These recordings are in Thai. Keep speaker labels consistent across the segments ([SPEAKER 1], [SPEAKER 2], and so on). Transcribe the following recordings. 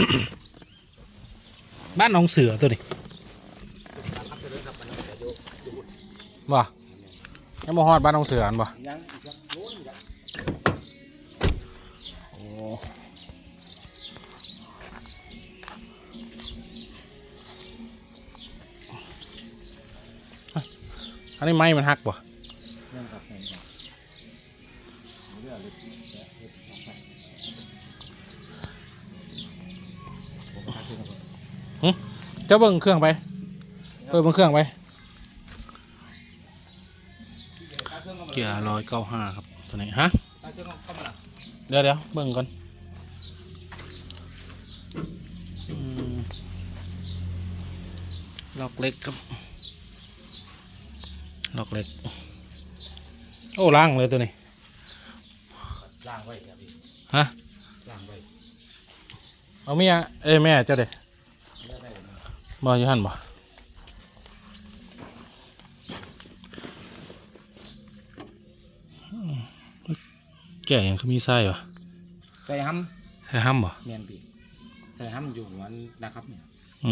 [SPEAKER 1] บ้านหนองเสือตัวนี้บ่ยังบ่ฮอดบ้านหนองเสืออันบ่โอ้อันนี้ไม้มันหักบ่เจ้าเบิ่งเครื่องไปเบิ่งเครื่องไปเกียร์195ครับตัวนี้ฮะเดี๋ยวเบิ่งก่อนล็อกเล็กครับล็อกเล็กโอ้ล้างเลยตัวนี้ล้างไว้ครับพี่ฮะล้างไว้เอาเมียแม่เจ้าเด็บ่อยู่หันบ่แก่ยังคือมีไส้วะ
[SPEAKER 2] ใส่ห้
[SPEAKER 1] ำบ่
[SPEAKER 2] เมียนปีใส่ห้ำอยู่วันนะครับเนี่ย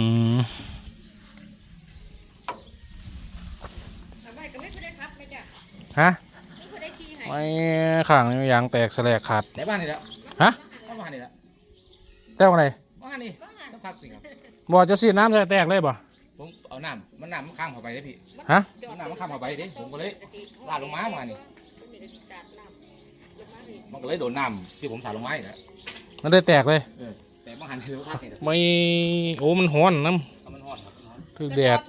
[SPEAKER 1] ฮะไม่ข้างนี้ยางแตกแสลกขาด
[SPEAKER 2] ในบ้านนี่แล้ว
[SPEAKER 1] ฮะ
[SPEAKER 2] บ้านนี่แล้ว
[SPEAKER 1] แตกอะไร
[SPEAKER 2] บ้านนี่ต้องพักสิครับ
[SPEAKER 1] บ่จะสีน้ำจะแตกเลยบ่
[SPEAKER 2] ผมเอาน้ำมันข้ามเข้าไปเลยพี่
[SPEAKER 1] ฮะ
[SPEAKER 2] น้ำมันข้ามเข้าไปดิผมก็เลยลาดลงมานี่มันก็เลยโดนน้ำที่ผมสาดลงมาอีกแล้ว
[SPEAKER 1] มันได้แตกเลย
[SPEAKER 2] แต่บางหันคือพักนี่
[SPEAKER 1] ไม่โอ้มันฮ้อนน้
[SPEAKER 2] ำมันฮ้อนครับ
[SPEAKER 1] คือแดด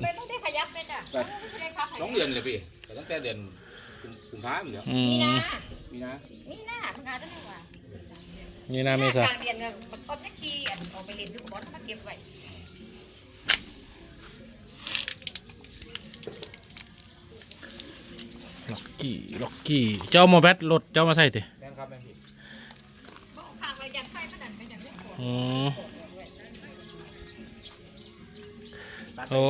[SPEAKER 2] 2 เดือนเลยพี่แต่ตั้งแต่เดือนกุมภาพันธ์แล้วมีนาคุณอาตั้งแต่ว่า
[SPEAKER 1] มีนาเมษาก
[SPEAKER 3] ลางเดือนเนี่ยมันก็จะขี่ออกไปเล่นอยู่กับบอสมาเก็บไว้
[SPEAKER 1] ล็อกกี้เจ้ามาแบตรถเจ้ามาใส่ติ
[SPEAKER 2] แม่ครับแม่พี่
[SPEAKER 3] ข้างไปยันไฟมันนั่นไปยันไม่พอ
[SPEAKER 1] โอ้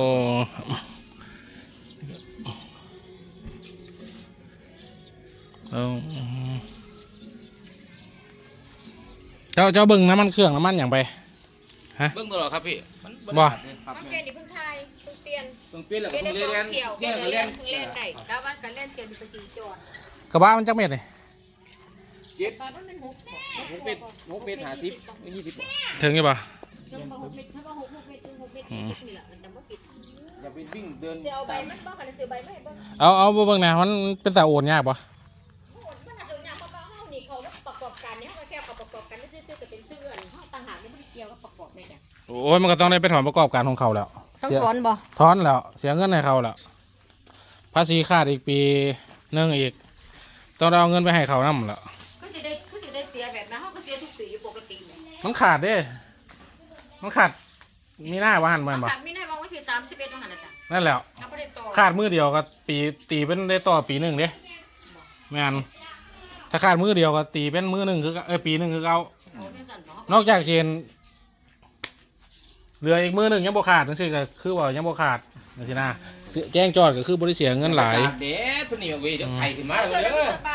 [SPEAKER 1] เจ้าเบิ่งน้ำมันเครื่องน้ำมันอย่างไป
[SPEAKER 2] ฮะเบิ่งตลอดครับพี่
[SPEAKER 1] บ่
[SPEAKER 3] เมื่อกี้นี่เพิ่งทายเพิ่งเปลี่ยน
[SPEAKER 2] แล้ว
[SPEAKER 3] เปลี่ยนได้2 เที่ยวเปลี่ยนเล่นได้ก้าววันกันเล่นเปลี่ยนอยู่ตะกี้จอด
[SPEAKER 1] กระบะมันจักเม็ดเลย
[SPEAKER 3] ตอนนั้นมัน6
[SPEAKER 2] เมตร50 20
[SPEAKER 1] ถึงยังป่ะ
[SPEAKER 3] 6 เมตรถ้าว่า6 เมตรนี่แหละมันจะไม่ผิด
[SPEAKER 2] อย่าไปวิ่งเดิน
[SPEAKER 3] เสียเอาใบมันบ้ากันเสียใบไม่บ้าง
[SPEAKER 1] เอาเบิ่งนะมันเป็นแต่โอนยากป่ะ
[SPEAKER 3] มันอาจจะยากเพราะเฮานี่เขาประกอบการเนี่ยเขาแค่ประกอบการซื้อจะเป็นซื้อเฮาต่างหากไม่ได้เกี่ยวกับประกอบแม่จ้ะ
[SPEAKER 1] โอ้ยมันก็ต้องได้ไปถอนประกอบการของเขาแล้ว
[SPEAKER 3] ต้องถอนบ่
[SPEAKER 1] ถอนแล้วเสียเงินให้เขาแล้วภาษีขาดอีกปีนึงอีกต้องเอาเงินไปให้เขานั่นแล้ว
[SPEAKER 3] ก็จะได้เสียแบบนั้นเขาก็เสียทุกปีปกติ
[SPEAKER 1] มันขาดเด้มันขาดมีหน้าว่าหันมันบ่
[SPEAKER 3] มีหน้าวางไว้ที่31ว่าหันน่ะจ้ะ
[SPEAKER 1] นั่นแหละขาดมือเดียวก็ตีเป็นได้ต่อปี1เด้ไม่งั้นถ้าขาดมือเดียวก็ตีเป็นมือ1คือปี1คือเอานอกจากเชนเหลืออีกมือ1ยังบ่ขาดนั่นสิก็คือว่ายังบ่ขาดนั่นสินะแจ้งจอดก็คือบริเสียเงินหลาย
[SPEAKER 2] เด็ดพุ่นนี่เว้ยเดี๋ยวไข่ขึ้นมาเลย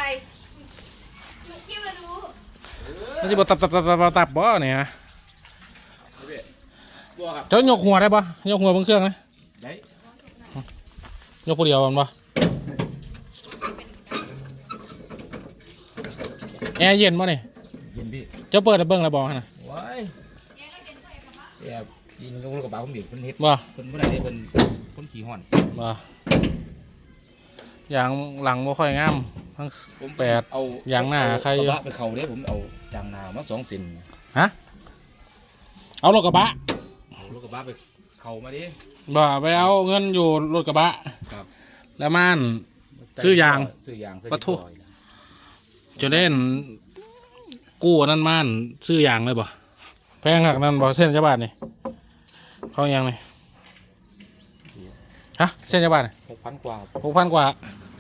[SPEAKER 1] มันสิบ่ตับบ่เนี่ยฮะเจ้ายกหัวได้ปะยกหัวบนเครื่องไหม
[SPEAKER 2] ได้
[SPEAKER 1] ยกผู้เดียวมันปะแอร์เย็นปะเนี่ย
[SPEAKER 2] เย็นพี่
[SPEAKER 1] เจ้าเปิดแล้วเบิ้งแล้วบอกนะ
[SPEAKER 2] ว้ายแอบยิงลูกกระบะผมดิเพิ่นเฮ็ด
[SPEAKER 1] บ่
[SPEAKER 2] เพิ่นเมื่อไหร่เพิ่นคนขี่ห่อน
[SPEAKER 1] บ่อย่างหลังบ่ค่อยงามทั้ง8เอาอย่างหน้าใคร
[SPEAKER 2] กระบะไปเข่าเด้ผมเอาจางนามา2 เซน
[SPEAKER 1] ฮะเอารถกระบะ
[SPEAKER 2] ไปเข่ามาดิ
[SPEAKER 1] บ่ไปเอาเงินอยู่รถกระบะ
[SPEAKER 2] ครับ
[SPEAKER 1] แล้วมันซื้อยาง
[SPEAKER 2] ปะทุ
[SPEAKER 1] จะเล่นกู้นั่นมันซื้อยางเลยบ่แพงหักนั่นบ่เส้นจะบาทนี่เขายังไงฮะเส้นจะบาท
[SPEAKER 2] 6,000 กว่า
[SPEAKER 1] 6,000 กว่า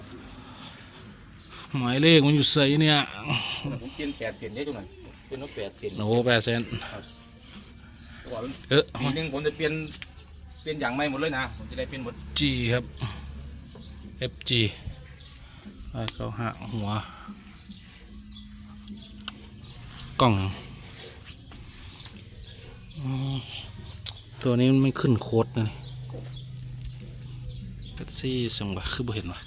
[SPEAKER 1] หมายเลขมันอยู่ใส่เนี่ย
[SPEAKER 2] ผมเปลี่ยน8 เซนได้ตรงนั้นเป็นนก8 เซน
[SPEAKER 1] โอ้8 เซน
[SPEAKER 2] ปีนึงผมจะเปลี่ยนอย่างใหม่หมดเลยนะผมจะได้เปลี่ยนหมด
[SPEAKER 1] G ครับ FG เขาหักหัวกล่องตัวนี้มันไม่ขึ้นโค้ดนะนี่แท็กซี่ส่งวะคือบ่เห็นวะ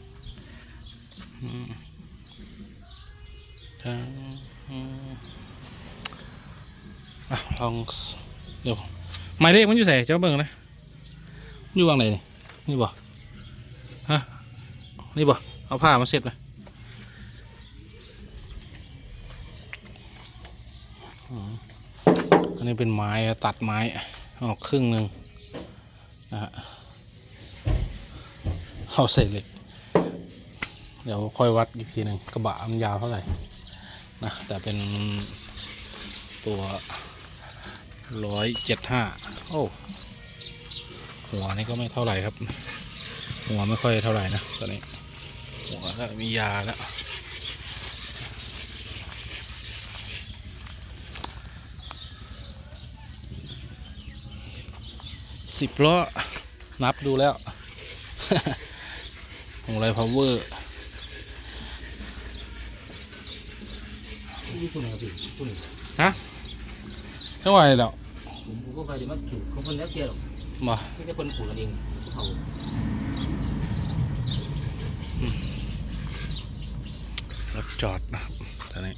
[SPEAKER 1] ลองเดี๋ยวหมายเลขมันอยู่ใส่เจ้าเบิ่งนะอยู่วางไหนนี่นี่บ่ฮะนี่บ่เอาผ้ามาเสร็จไหมอันนี้เป็นไม้ตัดไม้ออกครึ่งหนึ่งนะฮะเอาใส่เหล็กเดี๋ยวค่อยวัดอีกทีหนึ่งกระบะมันยาวเท่าไหร่นะแต่เป็นตัว175โอ้หัวนี่ก็ไม่เท่าไหร่ครับหัวไม่ค่อยเท่าไหร่นะตอนนี้หัวก็มียาแล้ว10 ล้อนับดูแล้ว ของไรพาวเวอร์ฮะเท่าไหร่แล้ว
[SPEAKER 2] ผมก็ไปเดี๋ยวมันถูกเขาคนแล้วเกี่ยว
[SPEAKER 1] มา
[SPEAKER 2] ไม่ใช่คนผูกกันเองเขา
[SPEAKER 1] รถจอดนะครับตอนนี้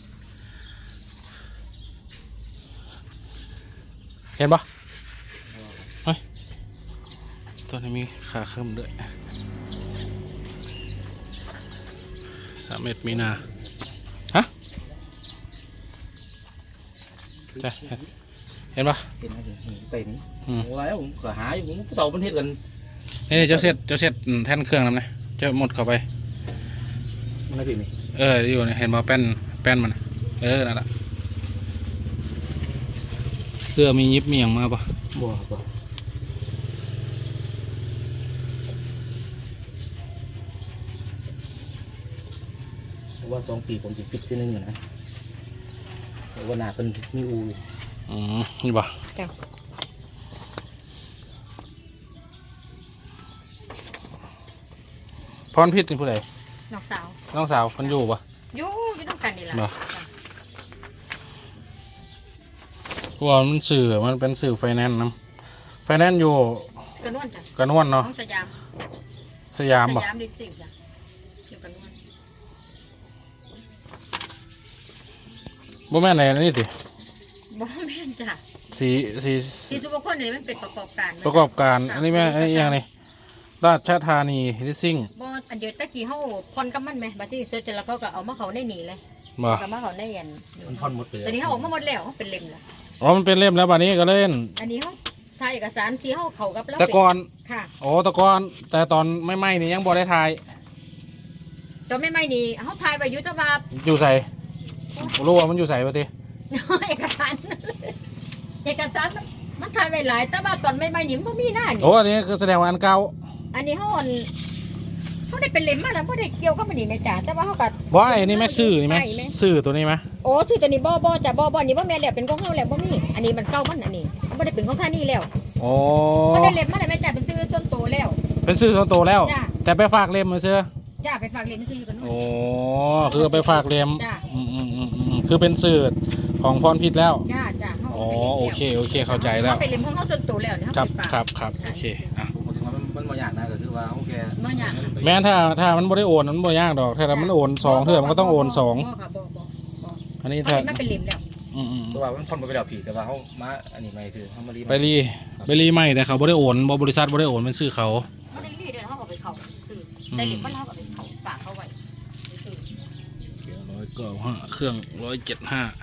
[SPEAKER 1] เห็นปะเฮ้ยตัวนี้มีขาเคิ่มด้วย3 มีนาฮะใช่เห็นปะ
[SPEAKER 2] เป็นอะไรเป็นโอ้ยผมก็หาอยู่ผมก็เต่าประเทศกัน
[SPEAKER 1] นี่เจ้าเสร็จแท่นเครื่องนั่นนะเจ้าหมดเข้าไป
[SPEAKER 2] มันอะไรนี่
[SPEAKER 1] อยู่เนี่ยเห็นปะแป้นมันนั่นแหละเสื้อมียิบมีอย่างมาปะ
[SPEAKER 2] บ่ว่า2 ปีผมจะฟิกที่นึงนะแต่ว่าหน้าเป็นมีอู
[SPEAKER 1] นี่ปะ
[SPEAKER 3] จ้ะ
[SPEAKER 1] พรพิษนี่ผู้ใด
[SPEAKER 3] น้องสาว
[SPEAKER 1] น้องสาวคนอยู่ปะ
[SPEAKER 3] อยู่ต้องกันนี่แหละ
[SPEAKER 1] เหรอ ว่ามันสื่อมันเป็นสื่อไฟแนนซ์นะไฟแนนซ์อยู่
[SPEAKER 3] กระนวลจ้ะ
[SPEAKER 1] กระนวนเนาะ
[SPEAKER 3] น้องสยาม
[SPEAKER 1] สยามปะ
[SPEAKER 3] สยามดิสิงจ้ะอยู่กระนวล
[SPEAKER 1] บ่แม่นไหนนี่ติ
[SPEAKER 3] บ่แม่นจ้ะ
[SPEAKER 1] สี
[SPEAKER 3] ที่สุขคนนี่มันเป็นประกอบการ
[SPEAKER 1] ประกอบการอันนี้แม่ไอ้อย่างนี้ราชธานีลิสซิ่ง
[SPEAKER 3] บ่อันเดียวตะกี้เฮาพรกับมันไหมบัดนี้เสร็จแล้วเขาก็เอามาเขาในนี่เลย
[SPEAKER 1] บ่
[SPEAKER 3] ก็มาเขาในอัน
[SPEAKER 2] มันพ่อนหมดไปเลย
[SPEAKER 3] ตอนนี้เขาออกมาหมดแล้วเขาเป็นเล่มแล้ว
[SPEAKER 1] อ๋อมันเป็นเล่มแล้วบัดนี้ก็เล่น
[SPEAKER 3] อันนี้เขาถ่ายเอกสารที่เขาเขากับแล้ว
[SPEAKER 1] แต่ก่อน
[SPEAKER 3] ค่ะ
[SPEAKER 1] โอ้แต่ก่อนแต่ตอนไม่ไหม้นี่ยังบ่ได้ถ่าย
[SPEAKER 3] จนไม่นี่เขาถ่ายไปอยู่แตะว่า
[SPEAKER 1] อยู่ใส่รู้ว่ามันอยู่ใส่ปะติ
[SPEAKER 3] เอกสารเอกสารมันถ่ายไว้หลายแต่ว่าตอนไม่นี่มันบ่มีหน้านี่
[SPEAKER 1] โอ้อันนี้คือแสดงว่าอันเก่า
[SPEAKER 3] อันนี้เขาได้เป็นเล่มมาแล้วบ่ได้เกี่ยวกับมันนี่แม่จ๋าแต่ว่าเขาก็
[SPEAKER 1] บ่ไอ้นี่แม่ซื้อนี่แม่ซื้อตัวนี้ไหม
[SPEAKER 3] โอ้ซื้อตัวนี้บ่จ้ะบ่นี่บ่แม่นแล้วเป็นของเฮาแล้วบ่มีอันนี้มันเก่ามันอันนี้มันบ่ได้เป็นของท่านี่แล้ว
[SPEAKER 1] โอ้
[SPEAKER 3] บ่ได้เล่มมาแล้วแม่จ๋าเป็นซื้อส่วนตัวแล้ว
[SPEAKER 1] เป็นซื้อส่วนตัวแล้ว
[SPEAKER 3] จ้ะ
[SPEAKER 1] แต่ไปฝากเล่มมาเสื้อ
[SPEAKER 3] จ้าไปฝากเล่มซื้ออยู่กันนู่น
[SPEAKER 1] โอ้คือไปฝากเล่ม
[SPEAKER 3] จ้ะ
[SPEAKER 1] คือเป็นสื่อของพรพิษแล้ว
[SPEAKER 3] จ้าเฮา
[SPEAKER 1] อ๋อ
[SPEAKER 3] ไปล่มแล้ว
[SPEAKER 1] โอเคเข้าใจแล้ว
[SPEAKER 3] เฮาไปเล่มของเฮาส่วนตัวแล้วเนี่ยเฮา
[SPEAKER 1] ครับ
[SPEAKER 3] ไปฝาก
[SPEAKER 1] ครับโอเคอ่ะ
[SPEAKER 2] ผมถึงว่ามันมาอย่างนะก็คือว่าโอเค
[SPEAKER 3] บ่ยาก
[SPEAKER 1] แม้ถ้ามันบ่ได้โอนมันบ่ยากดอกถ้ามันโอน2เทื่อมันก็ต้องโอน2
[SPEAKER 3] บ่ค่ะบ่
[SPEAKER 1] อันนี้
[SPEAKER 3] ถ้า
[SPEAKER 1] ถ้า
[SPEAKER 3] มันเป็นเล่มแล้ว
[SPEAKER 2] ตัวว่ามันพ่อนไปแล้วผีแต่ว่าเขามาอันนี้ไม่ซื้อเขามารี
[SPEAKER 1] ไปรีใหม่แต่เขาบ่ได้โอนบริษัทบ่ได้โอนเป็นชื่อเขา
[SPEAKER 3] บ่ได้รีดเดี๋ยวเฮาก็ไปเข้าซื้อได้เล่มมันเฮาก็ไปเข้าฝากเขาไว้ซื้อ
[SPEAKER 1] 195เครื่อง175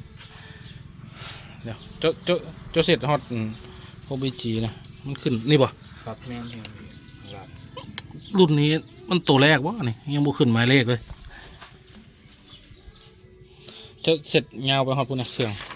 [SPEAKER 1] เดี๋ยวเจ้าเสร็จฮอตโอบีจีนะมันขึ้นนี่บ่
[SPEAKER 2] ครับแม่น
[SPEAKER 1] รุ่นนี้มันตัวแรกวะนี่ยังบ่ขึ้นหมายเลขเลยจะเสร็จยาวไปฮอดพุ่นนะเครื่อง